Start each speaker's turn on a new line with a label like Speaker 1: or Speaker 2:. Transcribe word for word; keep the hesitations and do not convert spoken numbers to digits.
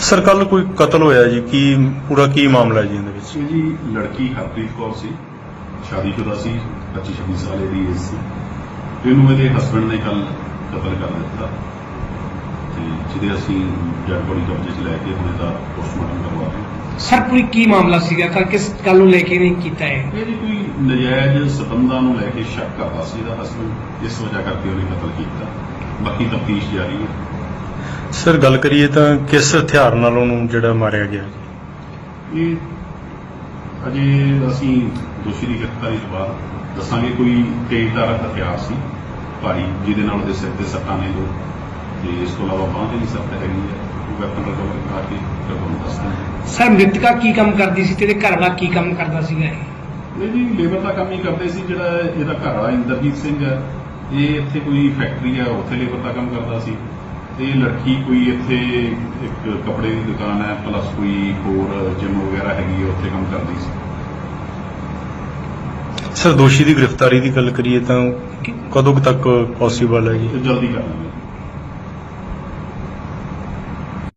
Speaker 1: Sir कल कोई कतल होया जी की पूरा की मामला है जी इहदे विच?
Speaker 2: ਇਹ ਜੀ ਲੜਕੀ ਹਰਪ੍ਰੀਤ ਕੌਰ ਸੀ, ਸ਼ਾਦੀशुदा ਸੀ, पच्चीस छब्बीस साल ਦੀ ਏਜ ਸੀ। ਇਹਨੂੰ ਇਹਦੇ ਹਸਬੰਡ ਨੇ ਕੱਲ ਕਤਲ ਕਰ ਦਿੱਤਾ ਤੇ ਜਿਹਦੇ ਅਸੀਂ ਡੈਡ ਬੋਡੀ ਕਬਜ਼ੇ 'ਚ ਲੈ ਕੇ ਹੁਣ ਇਹਦਾ ਪੋਸਟਮਾਰਟਮ ਕਰਵਾ ਰਹੇ ਹਾਂ।
Speaker 3: ਸਰ ਪੂਰੀ ਕੀ ਮਾਮਲਾ ਸੀਗਾ ਤਾਂ ਕਿਸ ਗੱਲ ਨੂੰ ਲੈ ਕੇ ਨਹੀਂ ਕੀਤਾ ਹੈ?
Speaker 2: ਇਹ ਜੀ ਕੋਈ ਨਜਾਇਜ਼ ਸਬੰਧਾਂ ਨੂੰ ਲੈ ਕੇ ਸ਼ੱਕ ਕਰਦਾ ਸੀ ਇਹਦਾ ਹਸਬੰਡ, ਇਸ ਵਜ੍ਹਾ ਕਰਕੇ ਉਹਨੇ ਕਤਲ ਕੀਤਾ। ਬਾਕੀ ਤਫਤੀਸ਼ ਜਾਰੀ ਹੈ।
Speaker 1: सर गल करिए तो किस हथियार नाल उहनूं जिहड़ा मारिया गया?
Speaker 2: ਇਹ ਅਜੇ ਅਸੀਂ ਦੋਸ਼ੀ ਦੀ ਗ੍ਰਿਫਤਾਰੀ ਤੋਂ ਬਾਅਦ ਦੱਸਾਂਗੇ। ਕੋਈ ਤੇਜ਼ਧਾਰ ਹਥਿਆਰ ਸੀ ਭਾਰੀ, ਜਿਹਦੇ ਨਾਲ ਉਹਦੇ ਸਿਰ ਤੇ ਸੱਟਾਂ ਨੇ ਦੋ, ਤੇ ਇਸ ਤੋਂ ਇਲਾਵਾ ਬਾਂਹ ਤੇ ਵੀ ਸੱਟ ਹੈਗੀ ਹੈ। ਉਹ ਵੈਪਨ ਰਿਕਵਰ ਕਰਾ ਕੇ ਫਿਰ ਤੁਹਾਨੂੰ ਦੱਸਦੇ।
Speaker 3: ਸਰ ਮ੍ਰਿਤਕਾ ਕੀ ਕੰਮ ਕਰਦੀ ਸੀ ਤੇ ਇਹਦੇ ਘਰ ਵਾਲਾ ਕੀ ਕੰਮ ਕਰਦਾ ਸੀਗਾ ਇਹ?
Speaker 2: ਇਹ ਜੀ ਲੇਬਰ ਦਾ ਕੰਮ ਹੀ ਕਰਦੇ ਸੀ। ਜਿਹੜਾ ਇਹਦਾ ਘਰ ਵਾਲਾ ਇੰਦਰਜੀਤ ਸਿੰਘ ਹੈ, ਇਹ ਇੱਥੇ ਕੋਈ ਫੈਕਟਰੀ ਹੈ, ਉੱਥੇ ਲੇਬਰ ਦਾ ਕੰਮ ਕਰਦਾ ਸੀ। ਇਹ ਲੜਕੀ ਕੋਈ ਇੱਥੇ ਇੱਕ ਕੱਪੜੇ ਦੀ ਦੁਕਾਨ ਹੈ, ਪਲੱਸ ਕੋਈ ਹੋਰ ਜਿਮ ਵਗੈਰਾ ਹੈਗੀ ਹੈ, ਉੱਥੇ ਕੰਮ ਕਰਦੀ ਸੀ।
Speaker 1: सर दोषी की गिरफ्तारी की गल करिए तो कदों तक पॉसीबल है जी?
Speaker 2: ਜਲਦੀ ਕਰ ਲਾਂਗੇ।